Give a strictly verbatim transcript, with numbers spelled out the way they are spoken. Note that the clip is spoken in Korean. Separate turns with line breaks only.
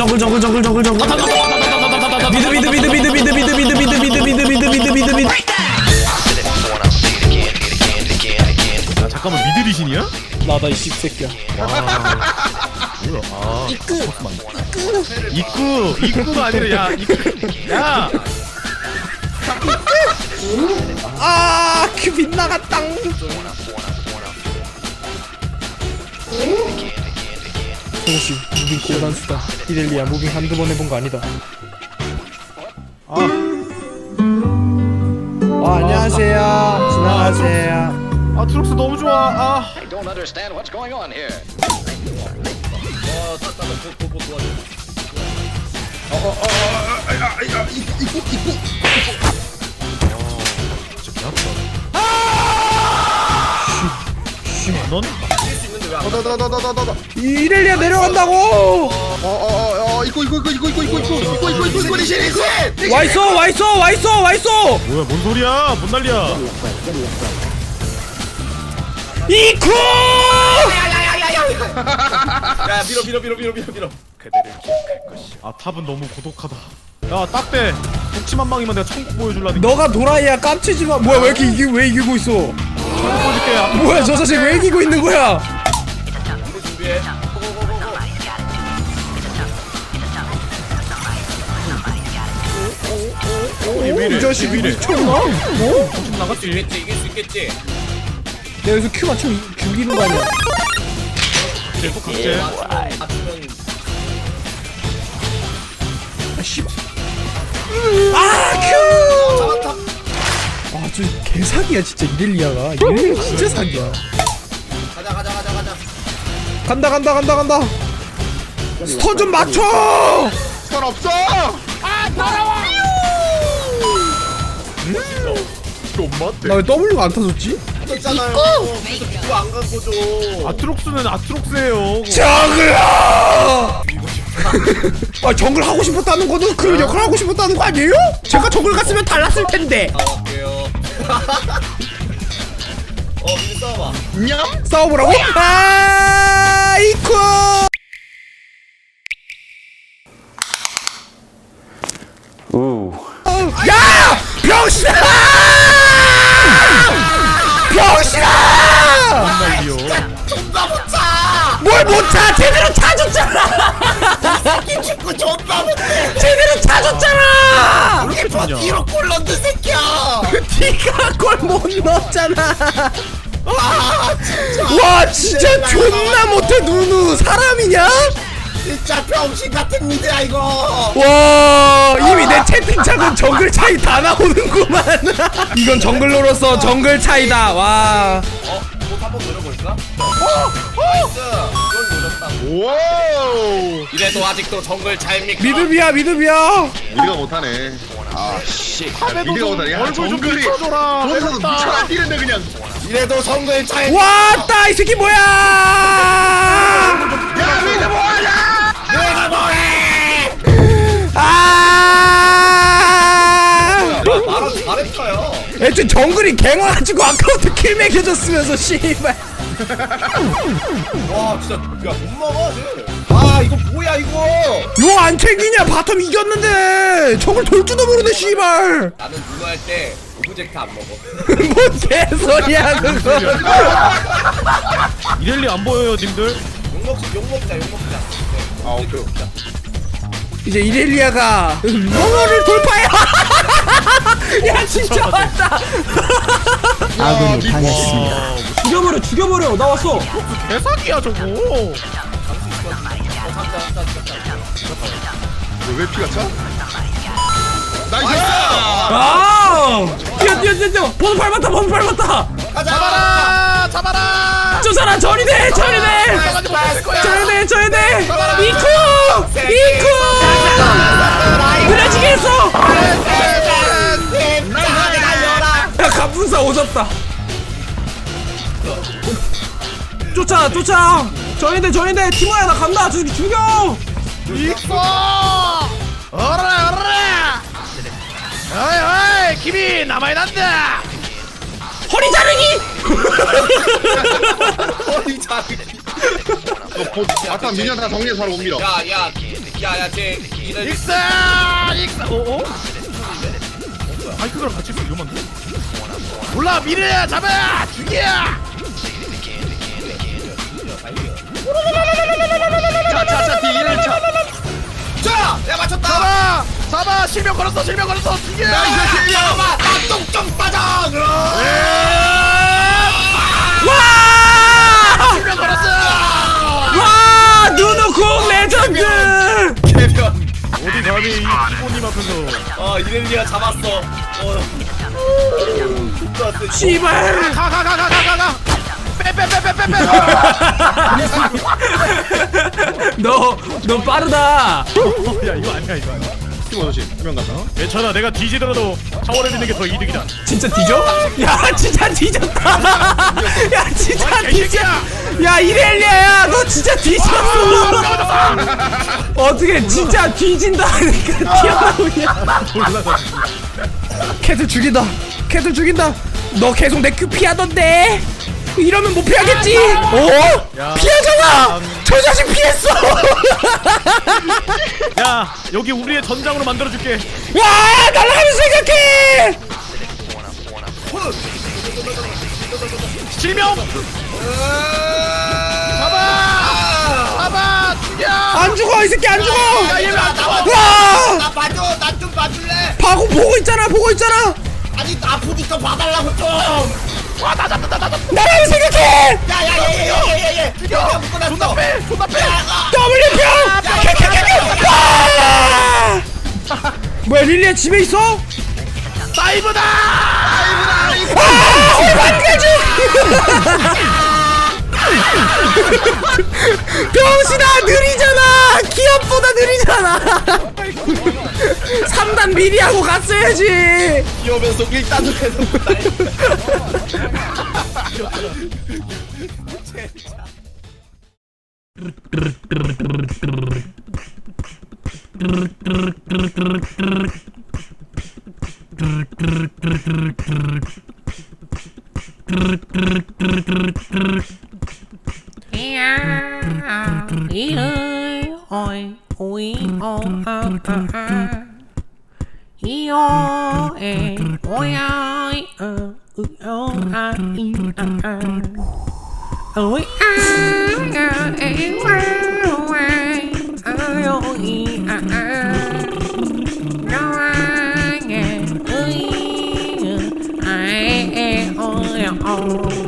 정글 정글 정글 정글 정글 미드 미드 미드 미드 미드 미드 미드 미드 미드 미드 미드 미드 미드 미드
야 잠깐만 미드 리신이야?
나다 이 씹새끼야.
뭐야? 아 이끄 이끄 이끄가 아니라 야 이끄 야
아, 큐 빗나갔당. 저것이 무빙 고단수다. 이렐리아 무빙 한두 번 해본 거 아니다. 아, 어, 안녕하세요. 지나가세요.
아 트럭스 너무 좋아. 아
I don't understand what's going on here.
진짜 개아프다. 넌
나나나나나나나.
이렐리아 내려간다고.
어어어 이거 이거 이거 이거 이거 이거 이거 이거 이거 이거 이거 리신 리신.
와 있어, 와 있어, 와 있어, 와 있어.
뭐야 뭔 소리야? 뭔 난리야?
이쿠!
야 밀어 밀어 밀어 밀어 밀어 밀어.
아 탑은 너무 고독하다. 야 딱대 독침한방이면 내가 천국 보여줄라니까.
너가 도라이야 깜치지 마. 뭐야 왜 이렇게 이기 왜 이기고 있어?
보여줄게. 야.
뭐야 저 자식 왜 이기고 있는 거야?
준비해.
왜 이래?
이 자식
왜 이래?
미쳤나? 어?
정신 나갔지?
이겼지 이길 수 있겠지.
내가 여기서 큐 맞추면 이- 죽이는 거 아니야?
또 각제.
맞추면
아 씨발. 아 큐! 아 저 개사기야 진짜 이렐리아가. 이렐리아 진짜 사기야.
가자 가자 가자 가자.
간다 간다 간다 간다. 스턴 좀 맞춰.
스턴 없어.
나 왜 W가 안 타졌지?
있잖아요. 그래서 그거 안 간 거죠.
아트록스는 아트록스예요.
정글아! 아 정글 하고 싶었다는 거는 그 역할 하고 싶었다는 거 아니에요? 제가 정글 갔으면 달랐을 텐데.
나갈게요. 어 미리 싸워봐.
싸워보라고? 아 이쿠! 야! 병신아! 병신아!
난리요.
존나 못 차.
뭘 못 차! 제대로 차줬잖아!
이 축구 존나 못해.
제대로 차줬잖아!
이렇게 좋냐?
뒤로 골 넣는 새끼야.
네가 골 못 넣었잖아!
와 진짜.
와 진짜 존나 못해 누누 사람이냐?
진짜 병신 같은 미드야 이거.
와 이미 내 채팅창은 정글 차이 다 나오는구만. 이건 정글로로서 정글 차이다. 와
어? 못 한번 노려볼까? 어? 나이스. 이걸 노렸다고.
오!
이래도 아직도 정글 차입니까?
미드비야 미드비야.
우리가 못하네. 아, 씨. 우리가 못하네. 야,
얼굴 좀
정글이
비춰줘라.
거기서도 미쳐나 뛰는데 그냥.
이래도 정글 차입.
왔다 이 새끼 뭐야?
야, 미드 뭐하냐?
내가 뭐해?
아
말은 잘했어요.
애초에 정글이 갱와가지고 아까부터 킬 매겨줬으면서 씨발.
와 진짜 야못 막아 쟤. 아 이거 뭐야 이거.
요 안 챙기냐 바텀 이겼는데 정글 돌 줄도 모르네 씨발.
나는 누나 할 때 오브젝트 안 먹어.
뭔 개소리야 그거.
이렐리 안 보여요, 님들?
욕 먹자 욕 먹자 욕 먹자. 아 오케이.
이제 이렐리아가 몽어를 돌파해. 야 진짜 맞다.
아군이 당했습니다.
아,
죽여버려 죽여버려 나 왔어.
개사기야 저거.
왜 피가 차? 나이스!
아 뛰어 뛰어 뛰어 뛰어. 번호 밟았다 번호 밟았다.
잡아라 잡아라.
저 사람 저리 돼 저리 돼 저리 돼 저리 돼. 이쿠 이쿠 그래지게 했어. 야 갑분사 오졌다. 쫓아 쫓아. 저리돼 저리돼 티모야 나 간다. 저 새끼 죽여.
있어. 어라 어라. 어이 어이 김이 남아야 난다.
허리 자르기.
허리 자르기.
아까 미녀 다 정리해서 바로 옮기러.
야야야야쟤 이들
익사 익사 어어? 바이크랑 같이 있으면 위험한데? 몰라 미래야 잡아 죽이야.
자자자 뒤에 차. 자, 야 맞췄다.
잡아 잡아 실명 걸었어 실명 걸었어 죽여.
잠깐만, 나똥좀 싸자.
와!
실명 걸었어.
와! 누누콩 레전드!
개변.
어디 감히 이 기본님 앞에서.
어 이렐리아 잡았어. 어.
씨발!
가 가 가 가 가 가가. 빼빼빼빼빼빼.
너, 너 빠르다!
야 이거 아니야 이거 아니야.
팀원 조심. 한명 갔다.
괜찮아 내가 뒤지더라도 샤워를 믿는 게 더 이득이다.
진짜 뒤져? 야, 진짜 뒤졌다! 야, 진짜 뒤져! 야, 이렐리아야! 너 진짜 뒤졌어! 어떻게 진짜 뒤진다 하니까 튀어나오냐?
몰라서.
캣을 죽인다! 캣을 죽인다! 너 계속 내 큐 피하던데? 이러면 못 피하겠지? 어?
야.
피하잖아! 저 자식 피했어!
야 여기 우리의 전장으로 만들어줄게.
와! 날아가면서 생각해!
실명. 잡아 잡아 죽여.
안 죽어! 이 새끼 안 죽어!
야 나와.
와!
나 봐줘. 나 좀 봐줄래?
바고 보고 있잖아! 보고 있잖아!
아니 아프니까 봐달라고 좀.
와나 잡다 나 잡다.
나라면 생각해!
야야야야야야야. 죽여. 묶어놨어.
존나 빼 존나 빼.
W표! 캬캬캬캬! 와! 뭐야 릴리아 집에 있어?
사이버다.
아! 오만가지! 병신아 느리잖아! 기업보다 느리잖아! 삼 단 미리 하고 갔어야지!
이러면서 일 단으로 해서
ôi ôi ô a a a i o e ôi ai ơ ư o a i a a ôi a a e wa wa a o i a a no a nghe ơi ai e ôi o